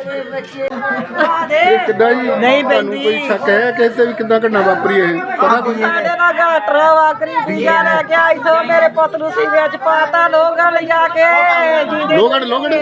ਕਿੱਦਾਂ ਜੀ ਨਹੀਂ ਤੁਹਾਨੂੰ ਪੈਂਦੀ। ਕੋਈ ਸ਼ੱਕ ਹੈ ਕਿ ਇੱਥੇ ਵੀ ਕਿੱਦਾਂ ਘਟਨਾ ਵਾਪਰੀ ਇਹ ਪਤਾ ਕੁਝ ਸਾਡੇ ਨਾਲ ਘਾਟਰਾ ਵਾਕਰੀ ਪੀਆ ਲੈ ਕੇ ਆਈ ਥੋ ਮੇਰੇ ਪੁੱਤ ਨੂੰ ਸੀਵੇ ਚ ਪਾਤਾ ਲੋਕਾਂ ਲਿਜਾ ਕੇ ਜੀਂਦੇ ਲੋਗੜ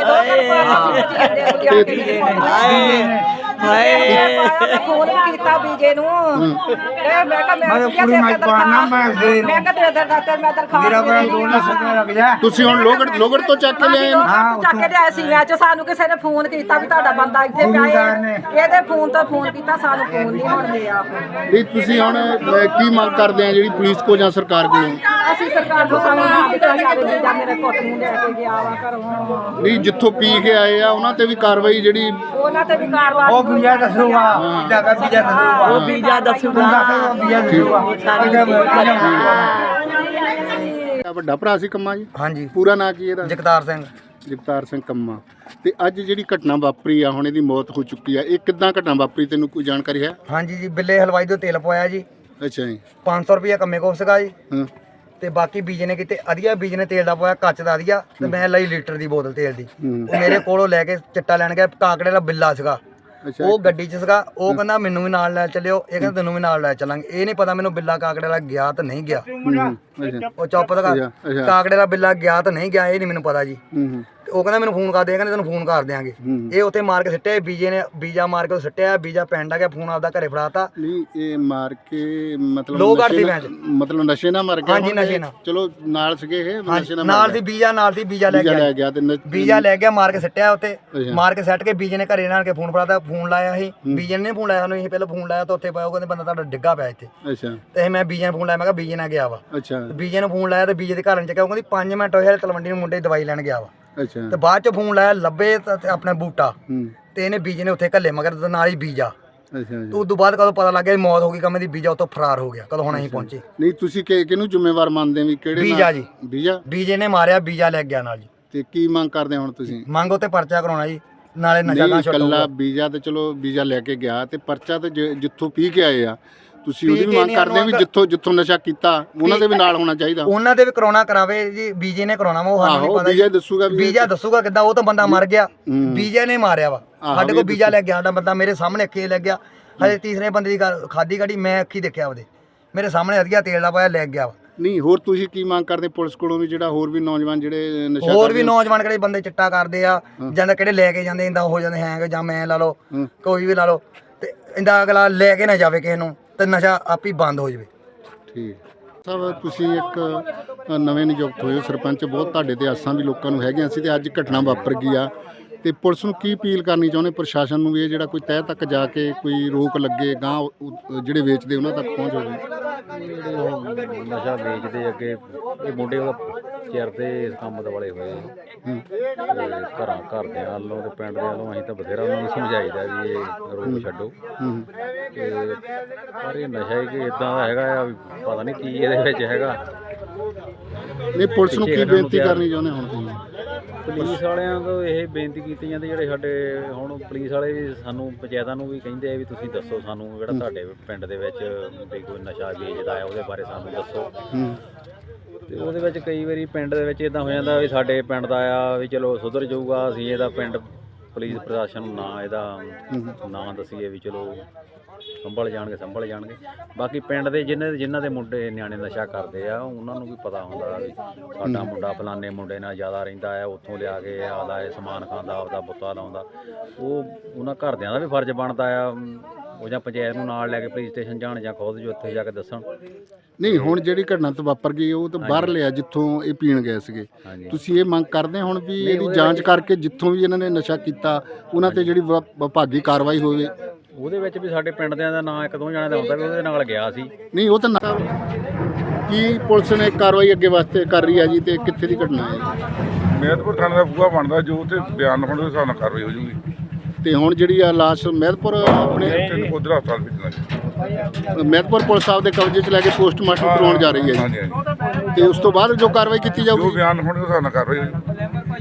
ਹਾਏ ਫੋਨ ਵੀ ਕੀਤਾ ਬੀਜੇ ਨੂੰ ਇਹ ਮੈਂ ਕਿਹਾ ਮੈਂ ਕੀ ਦੇ ਦਰਖਾਸਤ ਮੈਂ ਕਿਹਾ ਦੇ ਦਰਖਾਸਤ ਮੈਂ ਦਰਖਾਸਤ ਮੇਰਾ ਬੜਾ ਦੋਨਾ ਸਮੇਂ ਲੱਗ ਜਾ ਤੁਸੀਂ ਹੁਣ ਲੋਗੜ ਤੋਂ ਚੱਕ ਕੇ ਲਿਆਏ ਹਾਂ ਚੱਕ ਕੇ ਲਿਆਏ ਸੀ ਮੈਂ ਚ ਸਾਨੂੰ ਕਿਸੇ ਨੇ ਫੋਨ ਕੀਤਾ ਵੀ ਤੁਹਾਡਾ ਬੰਦਾ ਇੱਥੇ ਪਿਆ ਹੈ ਇਹਦੇ ਫੋਨ ਤੋਂ ਫੋਨ ਕੀਤਾ ਸਾਨੂੰ ਫੋਨ ਨਹੀਂ ਹੁਣ ਲਿਆ ਨਹੀਂ ਤੁਸੀਂ ਹੁਣ ਕੀ ਮੰਗ ਕਰਦੇ ਆ ਜਿਹੜੀ ਪੁਲਿਸ ਕੋ ਜਾਂ ਸਰਕਾਰ ਕੋਲੋਂ ਅਸੀਂ ਸਰਕਾਰ ਤੋਂ ਸਾਨੂੰ ਨਾ ਦਿੱਤਾ ਜਾਵੇ ਜਾਂ ਮੇਰੇ ਪੁੱਤ ਨੂੰ ਲੈ ਕੇ ਗਿਆ ਵਾ ਘਰੋਂ ਨਹੀਂ ਜਿੱਥੋਂ ਪੀ ਕੇ ਆਏ ਆ ਉਹਨਾਂ ਤੇ ਵੀ ਕਾਰਵਾਈ ਜਿਹੜੀ ਉਹਨਾਂ ਤੇ ਵੀ ਕਾਰਵਾਈ ਬੀਜਾ ਦੱਸੂਗਾ ਕਿੱਦਾਂ ਦਾ ਬੀਜਾ ਦੱਸੂਗਾ ਉਹ ਬੀਜਾ ਦੱਸੂਗਾ ਬੀਜਾ ਵੱਡਾ ਭਰਾ ਸੀ ਕੰਮਾ ਜੀ ਹਾਂਜੀ ਪੂਰਾ ਨਾਂ ਕੀ ਇਹਦਾ ਜਗਤਾਰ ਸਿੰਘ ਜਗਤਾਰ ਸਿੰਘ ਕੰਮਾ ਤੇ ਅੱਜ ਜਿਹੜੀ ਘਟਨਾ ਵਾਪਰੀ ਆ ਹੁਣ ਇਹਦੀ ਮੌਤ ਹੋ ਚੁੱਕੀ ਆ ਇਹ ਕਿੱਦਾਂ ਘਟਨਾ ਵਾਪਰੀ ਤੈਨੂੰ ਕੋਈ ਜਾਣਕਾਰੀ ਹੈ ਹਾਂਜੀ ਜੀ ਬਿੱਲੇ ਹਲਵਾਈ ਤੋਂ ਤੇਲ ਪਵਾਇਆ ਜੀ ਅੱਛਾ ਜੀ 500 ਰੁਪਏ ਕੰਮੇ ਕੋਲ ਸੀਗਾ ਜੀ ਹਾਂ ਤੇ ਬਾਕੀ ਬੀਜ ਨੇ ਕਿਤੇ ਅਧੀਆ ਬੀਜ ਨੇ ਤੇਲ ਦਾ ਪਵਾਇਆ ਕੱਚ ਦਾ ਅਧੀਆ ਤੇ ਮੈਂ ਲਈ ਲੀਟਰ ਦੀ ਬੋਤਲ ਤੇਲ ਦੀ ਉਹ ਮੇਰੇ ਕੋਲੋਂ ਲੈ ਕੇ ਚਿੱਟਾ ਲੈਣ ਗਿਆ ਕਾਕੜੇ ਦਾ ਬਿੱਲਾ ਸੀਗਾ ਅੱਛਾ ਉਹ ਗੱਡੀ 'ਚ ਸੀਗਾ ਉਹ ਕਹਿੰਦਾ ਮੈਨੂੰ ਵੀ ਨਾਲ ਲੈ ਚੱਲਿਓ ਇਹ ਕਹਿੰਦਾ ਤੈਨੂੰ ਵੀ ਨਾਲ ਲੈ ਚੱਲਾਂਗੇ ਇਹ ਨਹੀਂ ਪਤਾ ਮੈਨੂੰ ਬਿੱਲਾ ਕਾਕੜੇ ਵਾਲਾ ਗਿਆ ਤਾਂ ਨਹੀਂ ਗਿਆ ਅੱਛਾ ਉਹ ਚੁੱਪ ਦਾ ਅੱਛਾ। ਕਾਕੜੇ ਦਾ ਬਿੱਲਾ ਗਿਆ ਤਾਂ ਨਹੀਂ ਗਿਆ ਇਹ ਨਹੀਂ ਮੈਨੂੰ ਪਤਾ ਜੀ ਹੂੰ ਤੇ ਉਹ ਕਹਿੰਦਾ ਮੈਨੂੰ ਫੋਨ ਕਰ ਦੇ ਕਹਿੰਦੇ ਤੈਨੂੰ ਫੋਨ ਕਰ ਦਿਆਂਗੇ ਇਹ ਉੱਥੇ ਮਾਰ ਕੇ ਸਿੱਟਿਆ ਬੀਜੇ ਨੇ ਬੀਜਾ ਮਾਰ ਕੇ ਸਿੱਟਿਆ ਬੀਜਾ ਪਿੰਡ ਆ ਗਿਆ ਫੋਨ ਆਪਦਾ ਘਰੇ ਫੜਾਤਾ ਨਹੀਂ ਇਹ ਮਾਰ ਕੇ ਮਤਲਬ ਲੋਕ ਨਸ਼ੇ ਸੀ ਨਾਲ- ਮਤਲਬ ਨਸ਼ੇ ਨਾਲ ਮਰ ਗਿਆ ਹਾਂਜੀ, ਹੁਣ ਨਸ਼ੇ ਇਹ ਨਾਲ। ਚਲੋ ਨਾਲ ਸੀਗੇ ਇਹ ਨਸ਼ੇ ਨਾਲ ਨਾਲ ਸੀ ਬੀਜਾ ਨਾਲ ਸੀ ਬੀਜਾ ਲੈ ਬੀਜਾ ਲੈ ਗਿਆ ਗਿਆ ਤੇ ਬੀਜਾ ਲੈ ਗਿਆ ਮਾਰ ਕੇ ਸਿੱਟਿਆ ਉੱਤੇ ਅੱਛਾ। ਮਾਰ ਕੇ ਸੱਟ ਕੇ ਬੀਜੇ ਨੇ ਘਰੇ ਨਾਲ ਕੇ ਫੋਨ ਫੜਾਤਾ ਫੋਨ ਲਾਇਆ ਸੀ ਬੀਜੇ ਨੇ ਫੋਨ ਲਾਇਆ ਸਾਨੂੰ ਇਹ ਪਹਿਲਾਂ ਫੋਨ ਲਾਇਆ ਤਾਂ ਉੱਥੇ ਪਾਇਆ ਉਹ ਕਹਿੰਦੇ ਬੰਦਾ ਤੁਹਾਡਾ ਡਿੱਗਾ ਪਿਆ ਇੱਥੇ ਅੱਛਾ ਤੇ ਮੈਂ ਬੀਜੇ ਨੂੰ ਫੋਨ ਲਾਇਆ ਮੈਂ ਕਿਹਾ ਬੀਜੇ ਨਾਲ ਗਿਆ ਵਾ ਅੱਛਾ ਬੀਜੇ ਨੂੰ ਫੋਨ ਲਾਇਆ ਤੇ ਬੀਜੇ ਦੇ ਘਰ ਨੂੰ ਚੱਕਿਆ ਉਹ ਕਹਿੰਦੀ 5 ਮਿੰਟ ਹੋਏ ਹਲੇ ਤਲਵੰਡੀ ਨੂੰ ਮੁੰਡੇ ਦੀ ਦਵਾਈ ਲੈਣ ਗਿਆ ਵਾ ਅੱਛਾ ਤੇ ਬਾਅਦ ਚ ਫੋਨ ਲਾਇਆ ਲੱਭੇ ਤੇ ਆਪਣਾ ਬੂਟਾ ਹੂੰ ਤੇ ਇਹਨੇ ਬੀਜੇ ਨੇ ਉੱਥੇ ਘੱਲੇ ਮਗਰ ਤੇ ਨਾਲ ਹੀ ਬੀਜਾ ਅੱਛਾ ਜੀ। ਉਸ ਤੋਂ ਬਾਅਦ ਕਦੋਂ ਪਤਾ ਲੱਗ ਗਿਆ ਵੀ ਮੌਤ ਹੋ ਗਈ ਕਮੇ ਦੀ ਬੀਜਾ ਉੱਥੋਂ ਫਰਾਰ ਹੋ ਗਿਆ ਕਦੋਂ ਹੁਣ ਅਸੀਂ ਪਹੁੰਚੇ ਨਹੀਂ ਤੁਸੀਂ ਕਿਹਨੂੰ ਜ਼ਿੰਮੇਵਾਰ ਮੰਨਦੇ ਵੀ ਕਿਹੜੇ ਬੀਜਾ ਨਾਲ? ਜੀ। ਬੀਜਾ ਬੀਜੇ ਨੇ ਮਾਰਿਆ ਬੀਜਾ ਲੈ ਗਿਆ ਨਾਲ ਜੀ ਤੇ ਕੀ ਮੰਗ ਕਰਦੇ ਹੁਣ ਤੁਸੀਂ ਮੰਗ ਉੱਤੇ ਪਰਚਾ ਕਰਾਉਣਾ ਜੀ ਨਾਲੇ ਨਸ਼ਾ ਨਹੀਂ ਨਾ ਇਕੱਲਾ ਛੱਡੋ ਬੀਜਾ ਤੇ ਚਲੋ ਬੀਜਾ ਲੈ ਕੇ ਗਿਆ ਤੇ ਪਰਚਾ ਤੇ ਜਿੱਥੋਂ ਪੀ ਕੇ ਆਏ ਆ ਤੁਸੀਂ ਪੀ ਉਹਦੀ ਵੀ ਕੇ ਮੰਗ ਨਹੀਂ ਕਰਦੇ ਵੀ ਜਿੱਥੋਂ ਨਸ਼ਾ ਕੀਤਾ ਉਹਨਾਂ ਦੇ ਵੀ ਨਾਲ ਹੋਣਾ ਚਾਹੀਦਾ ਉਹਨਾਂ ਦੇ ਵੀ ਕਰਾਉਣਾ ਕਰਾਵੇ ਜੀ ਬੀਜੇ ਨੇ ਕਰਾਉਣਾ ਵਾ ਉਹ ਸਾਨੂੰ ਨਹੀਂ ਆਹੋ ਪਤਾ ਬੀਜਾ ਜੀ। ਦੱਸੂਗਾ ਵੀ ਬੀਜਾ ਦੱਸੂਗਾ ਕਿੱਦਾਂ ਉਹ ਤਾਂ ਬੰਦਾ ਮਰ ਗਿਆ ਬੀਜੇ ਨੇ ਮਾਰਿਆ ਵਾ ਆਹੋ, ਸਾਡੇ ਵੀ ਕੋਲ ਬੀਜਾ ਲੈ ਗਿਆ ਸਾਡਾ ਬੰਦਾ ਮੇਰੇ ਸਾਹਮਣੇ ਅੱਖੇ ਲੈ ਗਿਆ ਹਜੇ ਤੀਸਰੇ ਬੰਦੇ ਦੀ ਖਾਦੀ ਕਾੜੀ ਮੈਂ ਅੱਖੀ ਦੇਖਿਆ ਉਹਦੇ ਮੇਰੇ ਸਾਹਮਣੇ ਅਧਿਆ ਤੇਲ ਦਾ ਪਾਇਆ ਲੈ ਗਿਆ ਵਾ ਨਹੀਂ ਹੋਰ ਤੁਸੀਂ ਕੀ ਮੰਗ ਕਰਦੇ ਪੁਲਿਸ ਕੋਲੋਂ ਵੀ ਜਿਹੜਾ ਹੋਰ ਵੀ ਨੌਜਵਾਨ ਜਿਹੜੇ ਨਸ਼ਾ ਹੋਰ ਵੀ ਨੌਜਵਾਨ ਕਿਹੜੇ ਬੰਦੇ ਚਿੱਟਾ ਕਰਦੇ ਆ ਜਾਂ ਕਿਹੜੇ ਲੈ ਕੇ ਜਾਂਦੇ ਇੰਦਾ ਹੋ ਜਾਂਦੇ ਹੈਂਗ ਜਾਂ ਮੈਂ ਲਾ ਲਓ ਕੋਈ ਵੀ ਲਾ ਲਓ ਤੇ ਇੰਦਾ ਅਗਲਾ ਲੈ ਕੇ ਨਾ ਜਾਵੇ ਕਿਸੇ ਨੂੰ ਤੇ ਨਸ਼ਾ ਆਪ ਹੀ ਬੰਦ ਹੋ ਜਾਵੇ ਠੀਕ ਸਭ ਤੁਸੀਂ ਇੱਕ ਨਵੇਂ ਨਿਯੁਕਤ ਹੋਏ ਹੋ ਸਰਪੰਚ ਬਹੁਤ ਤੁਹਾਡੇ ਤੇ ਆਸਾਂ ਵੀ ਲੋਕਾਂ ਨੂੰ ਹੈਗੀਆਂ ਸੀ ਤੇ ਅੱਜ ਘਟਨਾ ਵਾਪਰ ਗਈ ਆ ਤੇ ਪੁਲਿਸ ਨੂੰ ਕੀ ਅਪੀਲ ਕਰਨੀ ਚਾਹੁੰਦੇ ਪ੍ਰਸ਼ਾਸਨ ਨੂੰ ਵੀ ਇਹ ਜਿਹੜਾ ਕੋਈ ਤਹਿ ਤੱਕ ਜਾ ਕੇ ਕੋਈ ਰੋਕ ਲੱਗੇ ਗਾਂ ਜਿਹੜੇ ਵੇਚਦੇ ਉਹਨਾਂ ਤੱਕ ਪਹੁੰਚ ਹੋਵੇ ਜਿਹੜੇ ਉਹ ਨਸ਼ਾ ਵੇਚਦੇ ਅੱਗੇ ਇਹ ਮੁੰਡੇ ਉਹਦਾ ਚਿਰਦੇ ਇਸ ਕੰਮ ਦੇ ਵਾਲੇ ਹੋਏ ਘਰਦਿਆਂ ਵੱਲੋਂ ਤੇ ਪਿੰਡ ਦੇ ਵੱਲੋਂ ਅਸੀਂ ਤਾਂ ਬਥੇਰਾ ਉਹਨਾਂ ਨੂੰ ਸਮਝਾਈਦਾ ਵੀ ਇਹ ਰੋਕ ਛੱਡੋ ਤੇ ਪਰ ਇਹ ਨਸ਼ਾ ਕਿ ਇਦਾਂ ਦਾ ਹੈਗਾ ਆ ਵੀ ਪਤਾ ਨਹੀਂ ਕੀ ਇਹਦੇ ਵਿੱਚ ਹੈਗਾ ਨਹੀਂ ਪੁਲਿਸ ਨੂੰ ਕੀ ਬੇਨਤੀ ਕਰਨੀ ਚਾਹੁੰਦੇ ਹੁਣ ਤੁਸੀਂ ਪੁਲਿਸ ਵਾਲਿਆਂ ਤੋਂ ਇਹ ਬੇਨਤੀ ਕੀਤੀ ਜਾਂਦੀ ਜਿਹੜੇ ਸਾਡੇ ਹੁਣ ਪੁਲਿਸ ਵਾਲੇ ਵੀ ਸਾਨੂੰ ਪੰਚਾਇਤਾਂ ਨੂੰ ਵੀ ਕਹਿੰਦੇ ਆ ਵੀ ਤੁਸੀਂ ਦੱਸੋ ਸਾਨੂੰ ਜਿਹੜਾ ਤੁਹਾਡੇ ਪਿੰਡ ਦੇ ਵਿੱਚ ਵੀ ਕੋਈ ਨਸ਼ਾ ਵੇਚਦਾ ਹੈ ਉਹਦੇ ਬਾਰੇ ਸਾਨੂੰ ਦੱਸੋ ਤੇ ਉਹਦੇ ਵਿੱਚ ਕਈ ਵਾਰੀ ਪਿੰਡ ਦੇ ਵਿੱਚ ਇਦਾਂ ਹੋ ਜਾਂਦਾ ਵੀ ਸਾਡੇ ਪਿੰਡ ਦਾ ਆ ਵੀ ਚਲੋ ਸੁਧਰ ਜਾਊਗਾ ਅਸੀਂ ਇਹਦਾ ਪਿੰਡ ਪੁਲਿਸ ਪ੍ਰਸ਼ਾਸਨ ਨੂੰ ਨਾ ਇਹਦਾ ਨਾਂ ਦੱਸੀਏ ਵੀ ਚਲੋ ਸੰਭਲ ਜਾਣਗੇ ਬਾਕੀ ਪਿੰਡ ਦੇ ਜਿਨ੍ਹਾਂ ਦੇ ਮੁੰਡੇ ਨਿਆਣੇ ਨਸ਼ਾ ਕਰਦੇ ਆ ਉਹਨਾਂ ਨੂੰ ਵੀ ਪਤਾ ਹੁੰਦਾ ਵੀ ਸਾਡਾ ਮੁੰਡਾ ਫਲਾਣੇ ਮੁੰਡੇ ਨਾਲ ਜ਼ਿਆਦਾ ਰਹਿੰਦਾ ਹੈ ਉੱਥੋਂ ਲਿਆ ਕੇ ਆਪਦਾ ਇਹ ਸਮਾਨ ਖਾਂਦਾ ਆਪਦਾ ਬੁੱਤਾ ਲਾਉਂਦਾ ਉਹਨਾਂ ਘਰਦਿਆਂ ਦਾ ਵੀ ਫਰਜ਼ ਬਣਦਾ ਆ ਉਹ ਜਾਂ ਪੰਚਾਇਤ ਨੂੰ ਨਾਲ ਲੈ ਕੇ ਪੁਲਿਸ ਸਟੇਸ਼ਨ ਜਾਣ ਜਾਂ ਖੁਦ ਜੋ ਉੱਥੇ ਜਾ ਕੇ ਦੱਸਣ ਨਹੀਂ ਹੁਣ ਜਿਹੜੀ ਘਟਨਾ ਤੋਂ ਵਾਪਰ ਗਈ ਉਹ ਤਾਂ ਬਾਹਰ ਲਿਆ ਜਿੱਥੋਂ ਇਹ ਪੀਣ ਗਏ ਸੀਗੇ ਤੁਸੀਂ ਇਹ ਮੰਗ ਕਰਦੇ ਹੁਣ ਵੀ ਇਹਦੀ ਜਾਂਚ ਕਰਕੇ ਜਿੱਥੋਂ ਵੀ ਇਹਨਾਂ ਨੇ ਨਸ਼ਾ ਕੀਤਾ ਉਹਨਾਂ ਤੇ ਜਿਹੜੀ ਵਿਭਾਗੀ ਕਾਰਵਾਈ ਹੋਵੇ ਉਹਦੇ ਵਿੱਚ ਵੀ ਸਾਡੇ ਪਿੰਡ ਦਿਆਂ ਦਾ ਨਾਂ ਇੱਕ ਦੋ ਜਣਿਆਂ ਦਾ ਹੁੰਦਾ ਵੀ ਉਹਦੇ ਨਾਲ ਗਿਆ ਸੀ ਨਹੀਂ ਉਹ ਤਾਂ ਕੀ ਪੁਲਿਸ ਨੇ ਕਾਰਵਾਈ ਅੱਗੇ ਵਾਸਤੇ ਕਰ ਰਹੀ ਹੈ ਜੀ ਤੇ ਕਿੱਥੇ ਦੀ ਘਟਨਾ ਹੈ ਮਹਿਤਪੁਰ ਥਾਣੇ ਦਾ ਬੂਹਾ ਬਣਦਾ ਜੋ ਤੇ ਬਿਆਨ ਲਿਖਣ ਦੇ ਹਿਸਾਬ ਨਾਲ ਕਾਰਵਾਈ ਹੋ ਜੂਗੀ ਤੇ ਹੁਣ ਜਿਹੜੀ ਆ ਲਾਸ਼ ਮਹਿਤਪੁਰ ਆਪਣੇ ਉਧਰ ਹਸਪਤਾਲ ਭੇਜਣਾ ਮਹਿਤਪੁਰ ਪੁਲਿਸ ਸਾਹਿਬ ਦੇ ਕਬਜ਼ੇ 'ਚ ਲੈ ਕੇ ਪੋਸਟਮਾਰਟਮ ਕਰਵਾਉਣ ਜਾ ਰਹੀ ਹੈ ਹਾਂਜੀ ਜੀ ਤੇ ਉਸ ਤੋਂ ਬਾਅਦ ਜੋ ਕਾਰਵਾਈ ਕੀਤੀ ਜੋ ਜਾਊਗੀ ਬਿਆਨ ਲਿਖਣ ਦੇ ਹਿਸਾਬ ਨਾਲ ਕਾਰਵਾਈ ਹੋ ਜੂ